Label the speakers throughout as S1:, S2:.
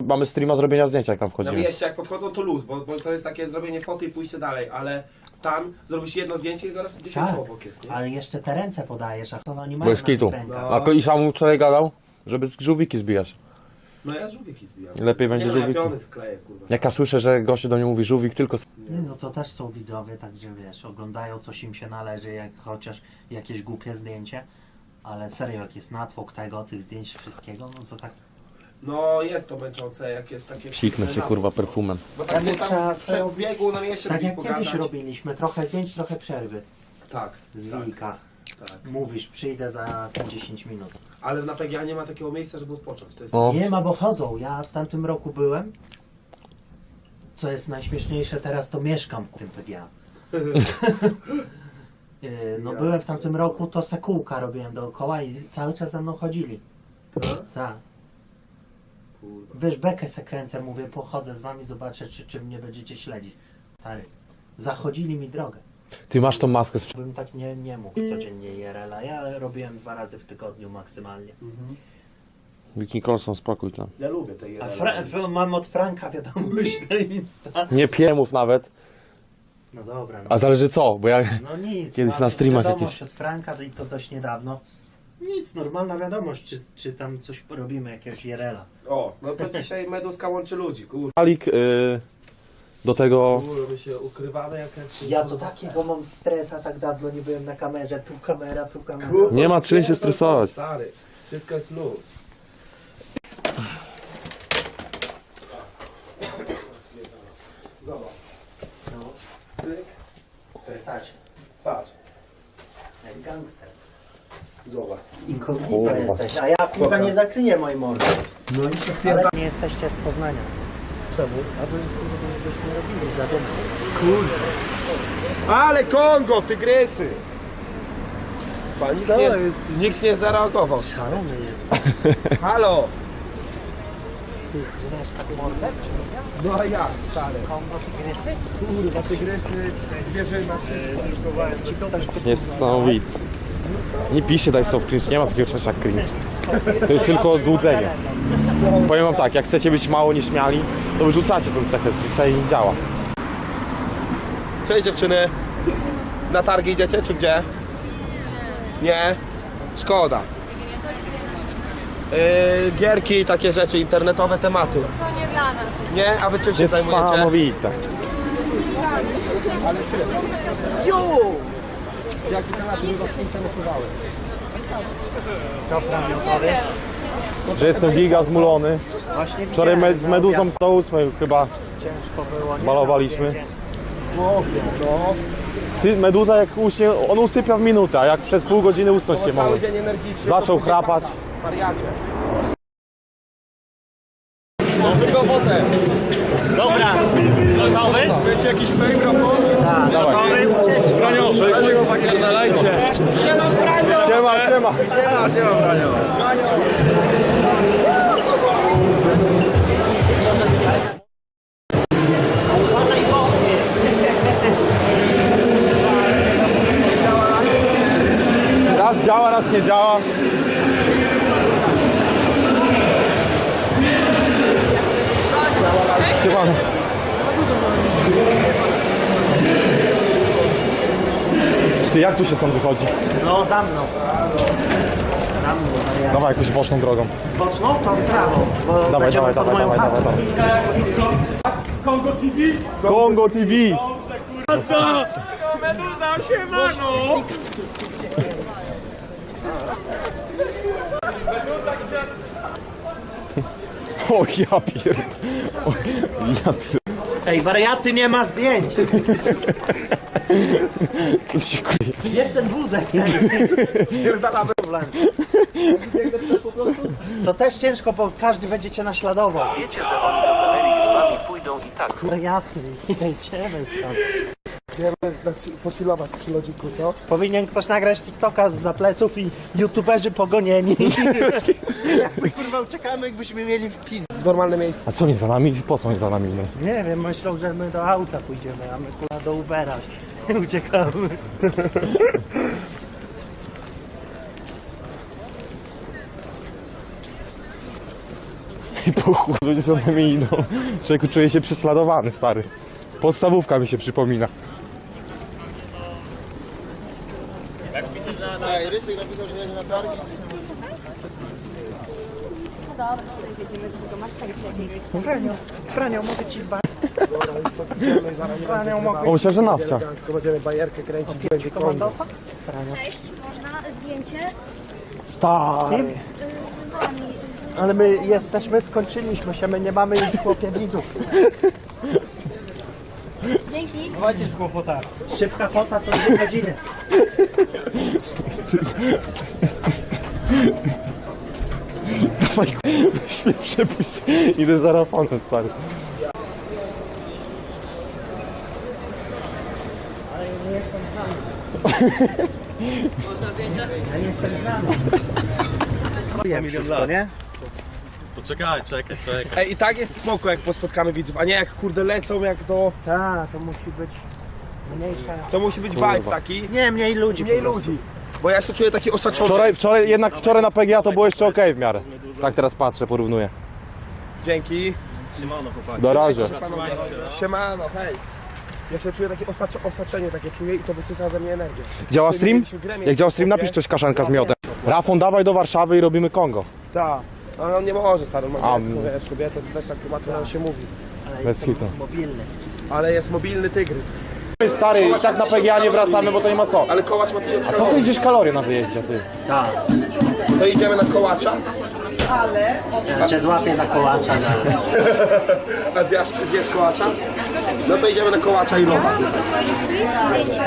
S1: mamy streama zrobienia zdjęcia, jak tam
S2: Na
S1: wchodzimy.
S2: mieście jak podchodzą to luz, bo to jest takie zrobienie foty i pójście dalej, ale tam zrobisz jedno zdjęcie i zaraz 10
S3: Tak,
S2: obok jest, nie?
S3: ale jeszcze te ręce podajesz, a to oni mają
S1: Bez
S3: na
S1: kitu.
S3: tych rękach.
S2: No.
S1: A i sam mu wczoraj gadał, żeby z żółwiki zbijać.
S2: No ja żółwiki zbijam.
S1: Lepiej będzie
S2: nie, no,
S1: żółwiki.
S2: ja piony skleję, kurwa.
S1: Jak ja słyszę, że gościu do mnie mówi żółwik, tylko...
S3: Nie, no to też są widzowie, także wiesz, oglądają coś im się należy, jak chociaż jakieś głupie zdjęcie, ale serio, jak jest natłok tego, tych zdjęć, wszystkiego, no to tak...
S2: No jest to męczące, jak jest takie...
S1: Psiknę się kurwa perfumem.
S2: Bo tak nie
S3: trzeba-
S2: tam w biegu na mieście
S3: Tak
S2: byś
S3: jak
S2: pogadać.
S3: kiedyś robiliśmy, trochę zdjęć, trochę przerwy
S2: Tak,
S3: z
S2: tak,
S3: wilka.
S2: tak.
S3: Mówisz, przyjdę za 10 minut.
S2: Ale na PGA nie ma takiego miejsca, żeby odpocząć. To jest...
S1: O.
S3: Nie ma, bo chodzą. Ja w tamtym roku byłem. Co jest najśmieszniejsze teraz, to mieszkam w tym PGA. No byłem w tamtym roku, to se kółka robiłem dookoła i cały czas za mną chodzili. Tak.
S2: Kurwa.
S3: Wiesz, bekę se kręcę, mówię, pochodzę z wami, zobaczę, czy mnie będziecie śledzić. Stary. Zachodzili mi drogę.
S1: Ty masz tą maskę z...
S3: Bym tak nie mógł codziennie IRL-a. Ja robiłem 2 razy w tygodniu maksymalnie.
S1: Wiki Colson, spokój tam.
S2: Ja lubię te
S3: A mam od Franka wiadomość na Insta.
S1: Nie piemów nawet,
S3: No dobra, no.
S1: a zależy co, bo ja...
S3: No nic.
S1: Kiedyś
S3: mam
S1: na streamach
S3: wiadomość
S1: jakieś-
S3: od Franka i to dość niedawno. Nic, normalna wiadomość, czy tam coś robimy, jakiegoś IRL-a.
S2: O, no to dzisiaj Meduska łączy ludzi, kurwa.
S1: Alik do tego...
S2: Kurwa, my się ukrywamy jak...
S3: Ja to takiego mam stresa, tak dawno nie byłem na kamerze, tu kamera, tu kamera.
S2: Kurwa,
S1: Nie ma czym się stresować.
S2: Stary, wszystko jest luz. Zobacz.
S3: No,
S2: Cyk,
S3: Versace,
S2: patrz,
S3: jak gangster.
S2: zobacz.
S3: Inkognito
S1: Kurwa.
S3: jesteś, a ja kurwa nie zakryję mojej mordy.
S2: No i się
S3: Ale nie jesteście z Poznania.
S2: Czemu?
S3: Aby kurwa byśmy robili za dym.
S2: Kurde. Ale Kongo, tygrysy!
S3: Co
S2: nie,
S3: jest?
S2: nikt nie zareagował.
S3: Szalony jest.
S2: Halo!
S3: Ty znasz tak mordę?
S2: No a jak, stary?
S3: Kongo tygrysy?
S2: Kurwa, tygrysy, zwierzyna, wszystko.
S1: Niesamowite. Nie piszcie daj sobie cringe, nie ma takiego czegoś jak cringe. To jest tylko złudzenie. Powiem wam tak, jak chcecie być mało nieśmiali, to wyrzucacie tę cechę, dzisiaj nie działa.
S2: Cześć dziewczyny. Na targi idziecie, czy gdzie? Nie? Szkoda. Gierki i takie rzeczy, internetowe tematy.
S4: To nie dla nas.
S2: Nie? A wy czym się zajmujecie?
S1: Niesamowite.
S2: Jo! Jakie tematy by was interesowały?
S3: Co Franio powiesz?
S1: Że jestem giga zmulony.
S3: Właśnie
S1: Wczoraj
S3: widziałem,
S1: z Meduzą do 8 chyba
S3: ciężko było. Nie?
S1: balowaliśmy.
S2: No.
S1: Ty, Meduza jak uśnie, on usypia w minutę, a jak przez pół godziny usnąć nie
S2: Cały
S1: może.
S2: dzień energiczny.
S1: Zaczął
S2: to
S1: chrapać.
S2: Wariacie. Tylko wodę.
S3: Dobra, gotowy?
S2: Wiecie jakiś fake raport?
S3: Tak, gotowy, ucieczka.
S2: Siema Franio!
S1: Siema, siema.
S2: Siema Franio!
S1: Raz działa, raz nie działa. Siemano. Ty, jak tu się stąd wychodzi?
S3: No za mną. Za mną, wariat.
S1: Dawaj jakąś boczną drogą.
S3: Boczną to w prawo, bo
S1: Dawaj,
S3: będziemy
S1: dawaj,
S3: pod
S1: dawaj,
S3: moją
S1: dawaj,
S3: chatą.
S1: dawaj. Kongo TV!
S2: Meduza, siemano!
S1: O ja pier... O, ja pier...
S3: Ej, wariaty, nie ma zdjęć.
S1: To się kurwa.
S3: Jest ten wózek.
S2: Pierdalamy.
S3: To też ciężko, bo każdy będzie cię naśladował.
S5: Wiecie, że oni do galerii z wami pójdą i tak.
S3: Wariaty, jedziemy stąd.
S2: Idziemy pocilować przy lodziku, co?
S3: Powinien ktoś nagrać TikToka z pleców i youtuberzy pogonieni. Jak my kurwa uciekamy, jakbyśmy mieli wpis.
S2: W normalne miejsce.
S1: A co nie za nami? Po co nie za nami?
S3: Nie wiem, myślą, że my do auta pójdziemy, a my kurwa do Ubera uciekamy.
S1: I po chuj ludzie za nami idą. Człowieku, czuję się prześladowany, stary. Podstawówka mi się przypomina.
S4: Ej, Rysek napisał, że jedzie na targi.
S6: No dobra, tutaj jedziemy do masz jakiegoś.
S7: Franio, mogę ci zbać.
S1: O, myślę, że nawcia.
S2: Będziemy bajerkę kręcić, będzie kondo.
S6: Cześć, można zdjęcie
S1: Stary.
S6: z wami.
S7: Ale my jesteśmy, skończyliśmy się, my nie mamy już chłopie widzów.
S6: Dzięki.
S7: Dawajcie szybko fota. Szybka fota to 2 godziny.
S1: Dawaj, weź mnie przepuść. Idę za Rafonem, stary.
S7: Ja nie jestem znany. Wiem wszystko, nie?
S8: Poczekaj, czekaj.
S2: Ej, i tak jest spoko, jak spotkamy widzów, a nie jak kurde lecą, jak to...
S7: Tak, to musi być mniejsza.
S2: To musi być
S1: Kurwa.
S2: vibe taki.
S7: Nie, mniej ludzi.
S2: Mniej
S7: po prostu.
S2: ludzi. Bo ja się czuję taki osaczony.
S1: Wczoraj na PGA to było jeszcze okej w miarę. Tak teraz patrzę, porównuję.
S2: Dzięki.
S8: Siemano, chłopaki.
S1: Na razie.
S2: Siemano, hej. Ja się czuję takie osaczenie takie czuję i to wysysa ze mnie energię.
S1: Działa stream? Jak działa stream, napisz coś kaszanka z miodem. Rafon, dawaj do Warszawy i robimy Kongo.
S2: Tak. Ale on nie może, stary, on ma
S1: A,
S2: dziecko, wiesz, kobietę, to też tak łatwo nam się mówi.
S7: Ale
S1: Bez
S7: jestem
S1: hitu.
S7: mobilny.
S2: Ale jest mobilny tygrys.
S1: Stary, i tak na PGA nie wracamy, bo to nie ma co.
S2: Ale kołacz ma 1000
S1: Co to
S2: kalorii.
S1: idziesz kalorie na wyjeździe, ty?
S3: Tak.
S2: To idziemy na kołacza,
S3: Ja cię złapię za kołacza.
S2: a zjesz kołacza? No to idziemy na kołacza i lowa.
S6: Mogę powiedzieć zdjęcie.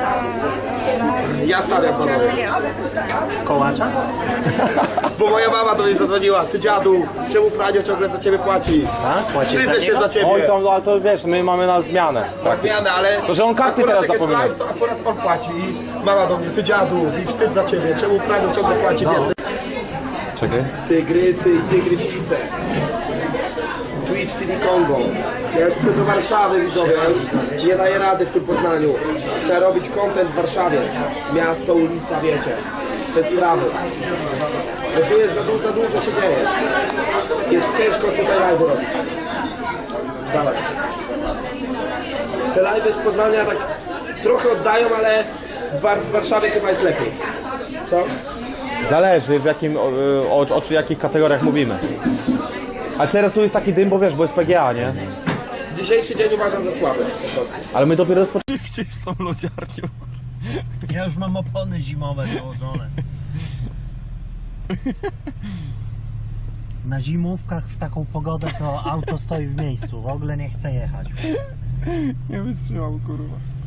S2: Ja stawiam panowie.
S3: Kołacza?
S2: Bo moja mama do mnie zadzwoniła. Ty dziadu, czemu Franio ciągle za ciebie płaci?
S3: Tak? Płacisz za
S2: Wstydzę się
S3: niego?
S2: za ciebie.
S1: Oj, to, ale to wiesz, my mamy na zmianę.
S2: Na zmianę, ale...
S1: To, że on karty
S2: akurat
S1: teraz
S2: jak jest
S1: zapomina.
S2: live, to akurat on płaci i mama do mnie, ty dziadu, mi wstyd za ciebie, czemu Franio ciągle płaci biedny?
S1: Czekaj.
S2: Tygrysy i tygrysice. Twitch TV Kongo. Ja już chcę do Warszawy, widzowie, ja już nie daję rady w tym Poznaniu. Trzeba robić content w Warszawie. Miasto, ulica, wiecie. Te sprawy. Bo tu jest za dużo się dzieje. Jest ciężko tutaj live robić. Dawaj. Te live z Poznania tak trochę oddają, ale w Warszawie chyba jest lepiej. Co?
S1: Zależy w jakim, o jakich kategoriach mówimy. A teraz tu jest taki dym, bo wiesz, bo jest PGA, nie?
S2: Dzisiejszy dzień uważam za słaby.
S1: Ale my dopiero rozpoczynamy.
S8: Gdzie jest tą lodziarnią?
S3: Ja już mam opony zimowe założone. Na zimówkach w taką pogodę to auto stoi w miejscu. W ogóle nie chce jechać.
S1: Nie wytrzymam, kurwa.